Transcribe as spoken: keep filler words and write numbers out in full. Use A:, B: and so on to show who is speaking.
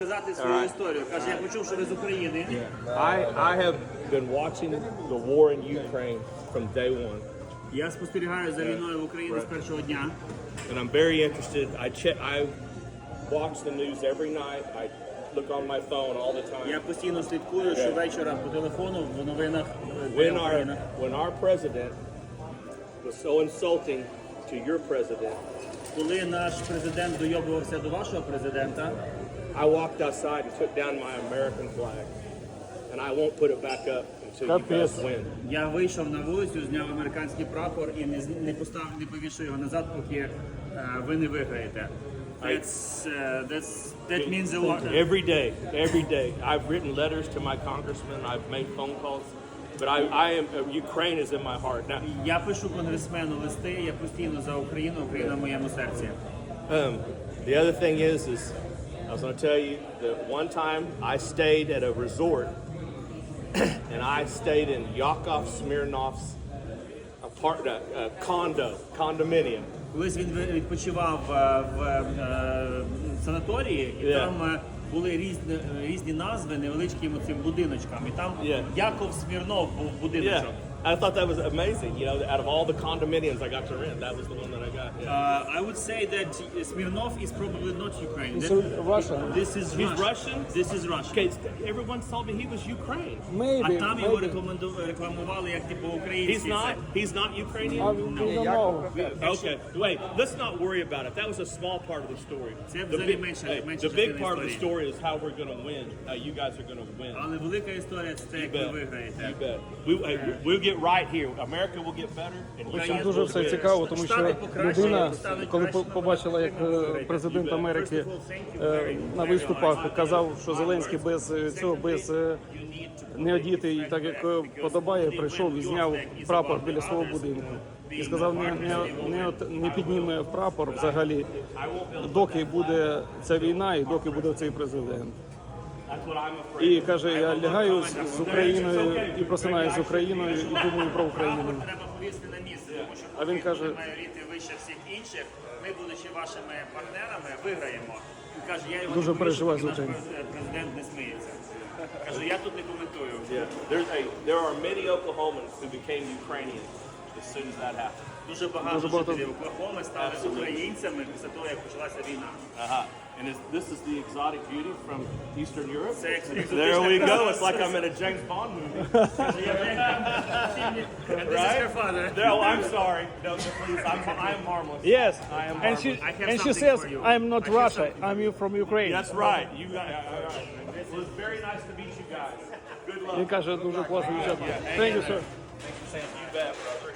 A: Сказати свою історію. Каже, я почув, що ви з України.
B: I, I have been watching the war in Ukraine from day one,
A: Я спостерігаю за війною в Україні з першого дня.
B: and I'm very interested. I check, I watch the news every night. I look on my phone all the time.
A: Я постійно слідкую щовечора по телефону в новинах
B: When
A: в
B: our
A: Україні.
B: when our president was so insulting to your president,
A: Коли наш президент дойобувався до вашого президента,
B: I walked outside and took down my American flag, and I won't put it back up until you guys win.
A: я вийшов на вулицю, зняв американський прапор і не, з- не постав, не повішу його назад, поки е, ви не виграєте. That's, uh, that's, that means a lot.
B: Every day, every day. I've written letters to my congressman. I've made phone calls, but I, I am uh, Ukraine is in my heart now.
A: Я пишу конгресмену листи, я постійно за Україну, Україна в моєму серці.
B: Um, the other thing is, is I was going to tell you that one time I stayed at a resort, and I stayed in Yakov Smirnov's apart, uh, uh, condo, condominium.
A: Колись він ви- відпочивав е, в е, санаторії, і
B: Yeah.
A: там е, були різні, різні назви невеличким цим будиночкам. І там
B: Yeah.
A: Яков Смірнов був будиночок.
B: Yeah, I thought that was amazing. You know, out of all the condominiums I got to rent, that was the one that I got. Yeah.
A: Uh, I would say that Smirnov is probably not Ukraine.
C: It's
A: That-
C: Russian.
A: This is
B: He's
A: Russian.
B: Russian?
A: This is Russian.
B: Okay, everyone told me he was Ukraine.
A: А
C: Maybe,
A: там його
C: maybe.
A: рекоменду- рекламували як типу
B: He's
A: український.
B: not. He's not Ukrainian.
C: I don't know.
B: Okay, wait. Let's not worry about it. That was a small part of the story.
A: Це
B: The
A: взагалі
B: big,
A: менше-
B: hey,
A: менше
B: the big
A: частина
B: part of the
A: історії.
B: story is how we're going to win. How you guys are going to win.
A: Але велика історія це те,
B: You
A: як ви
B: bet.
A: виграєте.
B: You bet. We, hey, we'll get right here. America will get better, and you
A: Україна
B: guys
C: Дуже
B: will
C: все
B: win.
C: цікаво, тому що
A: Штати покращили,
C: людина,
A: стануть
C: коли
A: краще,
C: по- побачила, як е, президент Америки е, на виступах казав, що Зеленський без е, цього, без е, не одітий, так як е, подобає, прийшов і зняв прапор біля свого будинку. І сказав, не, не, не, от- не підніме прапор взагалі, доки буде ця війна і доки буде цей президент.
B: That's what I'm afraid.
C: І каже, я лягаю з, з Україною і просинаюсь з Україною і думаю про Україну.
A: Прапор треба повісити на місце, тому що
C: А він каже-
A: Україна має ріти вище всіх інших. Ми, будучи вашими партнерами, виграємо. Він каже, я його
C: Дуже
A: не повішу,
C: переживаю
A: поки
C: за
A: наш
C: Україну.
A: през- президент не сміється. Каже, я тут не коментую.
B: Yeah. There's a, there are many Oklahomans who became Ukrainian as soon as that happened.
A: Дуже багато
C: Дуже багато-
A: жителів Оклахоми стали українцями після того, як почалася війна.
B: Uh-huh. And is, this is the exotic beauty from Eastern Europe.
A: Це екзотична
B: There we go.
A: краса.
B: It's like I'm in a James Bond movie.
A: Каже, я And this is her father.
B: No, I'm sorry. No, please. I'm, I'm harmless.
C: Yes,
B: I am
C: and she
B: harmless.
A: I have
C: and she
A: something
C: says,
A: for you.
C: "I'm not
A: I have
C: Russia.
A: something
C: I'm you from Ukraine."
B: That's right. You got. All right. Well, it's very nice to meet you guys. Good luck.
C: Він каже, дуже класно дівчата. Thank you, sir.
B: You bet, brother.